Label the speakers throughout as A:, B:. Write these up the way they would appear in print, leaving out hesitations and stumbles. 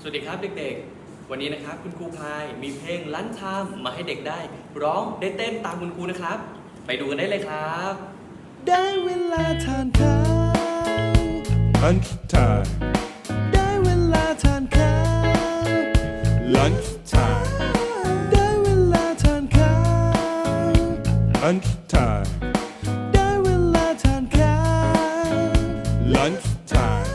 A: สวัสดีครับเด็กๆ วันนี้นะครับคุณครูพายมีเพลงลันชามมาให้เด็กได้ร้องได้เต้นตามคุณครูนะครับไปดูกันได้เลยครับ
B: ได้เวลาทานข้าว
C: Lunch time,
B: ได้เวลาทานข้าว
C: lunch time,
B: ได้เวลาทานข้าว
C: lunch time,
B: ได้เวลาทานข้าว
C: lunch time.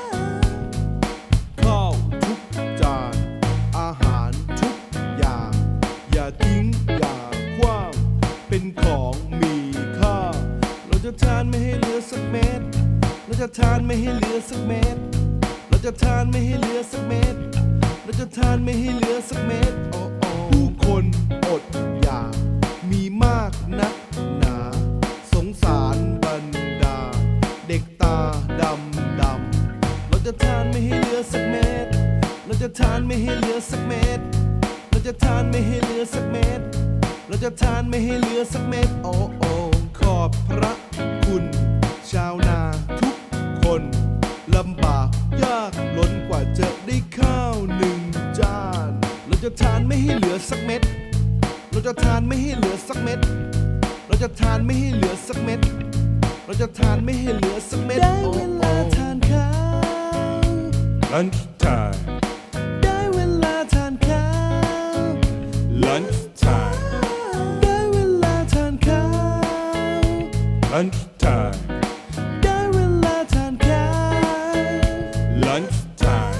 B: ข้าวทุกจานอาหารทุกอย่าง อย่าทิ้งอย่าขว้างเป็นของมีค่าเราจะทานไม่ให้เหลือสักเม็ดเราจะทานไม่ให้เหลือสักเม็ดเราจะทานไม่ให้เหลือสักเม็ดเราจะทานไม่ให้เหลือสักเม็ดโอ้โอ้ผู้คนอดอยากมีมากนักหนาสงสารบรรดาเด็กตาดำดำเราจะทานไม่ให้เหลือสักเม็ดเราจะทานไม่ให้เหลือสักเม็ดเราจะทานไม่ให้เหลือสักเม็ดเราจะทานไม่ให้เหลือสักเม็ดโอ้โอ้ขอบพระคุณชาวนาทุกคนลำบากยากล้นกว่าจะได้ข้าวหนึ่งจานเราจะทานไม่ให้เหลือสักเม็ดเราจะทานไม่ให้เหลือสักเม็ดเราจะทานไม่ให้เหลือสักเม็ดเราจะทานไม่ให้เหลือสักเม็ดได้เวลาทานข้าว
C: Lunch time,
B: ได้เวลาทานข้าว
C: lunch time,
B: ได้เวลาทานข้าว
C: lunch time,
B: ได้เวลาทานข้าว
C: lunch time.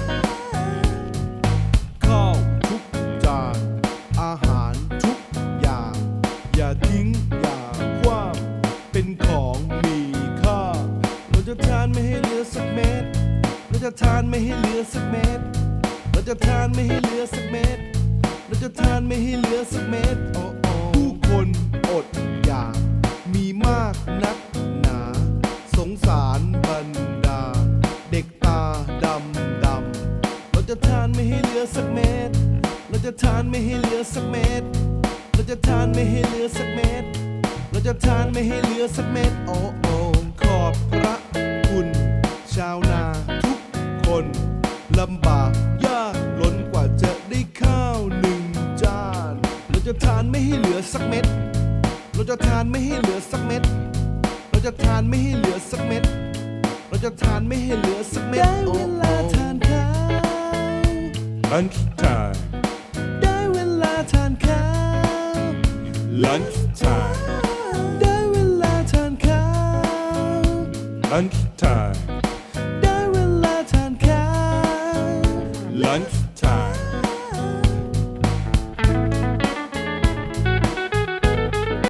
B: ข้าวทุกจานอาหารทุกอย่าง อย่าทิ้งอย่าขว้างเป็นของมีค่าเราจะทานไม่ให้เหลือสักเม็ดเราจะทานไม่ให้เหลือสักเม็ดเราจะทานไม่ให้เหลือสักเม็ดเราจะทานไม่ให้เหลือสักเม็ดโอ้โอ้ผู้คนอดอยากมีมากนักหนาสงสารบรรดาเด็กตาดำดำเราจะทานไม่ให้เหลือสักเม็ดเราจะทานไม่ให้เหลือสักเม็ดเราจะทานไม่ให้เหลือสักเม็ดเราจะทานไม่ให้เหลือสักเม็ดโอ้โอ้ขอบพระคุณชาวนาทุกคนลำบากยากล้นกว่าจะได้ข้าวหนึ่งจานเราจะทานไม่ให้เหลือสักเม็ดเราจะทานไม่ให้เหลือสักเม็ดเราจะทานไม่ให้เหลือสักเม็ดเราจะทานไม่ให้เหลือสักเม็ดได้เวลาทานข้าว
C: Lunch time,
B: ได้เวลาทานข้าว
C: lunch time,
B: ได้เวลาทานข้าว
C: lunch time,
B: ได้เวลาทานข้าว
C: lunch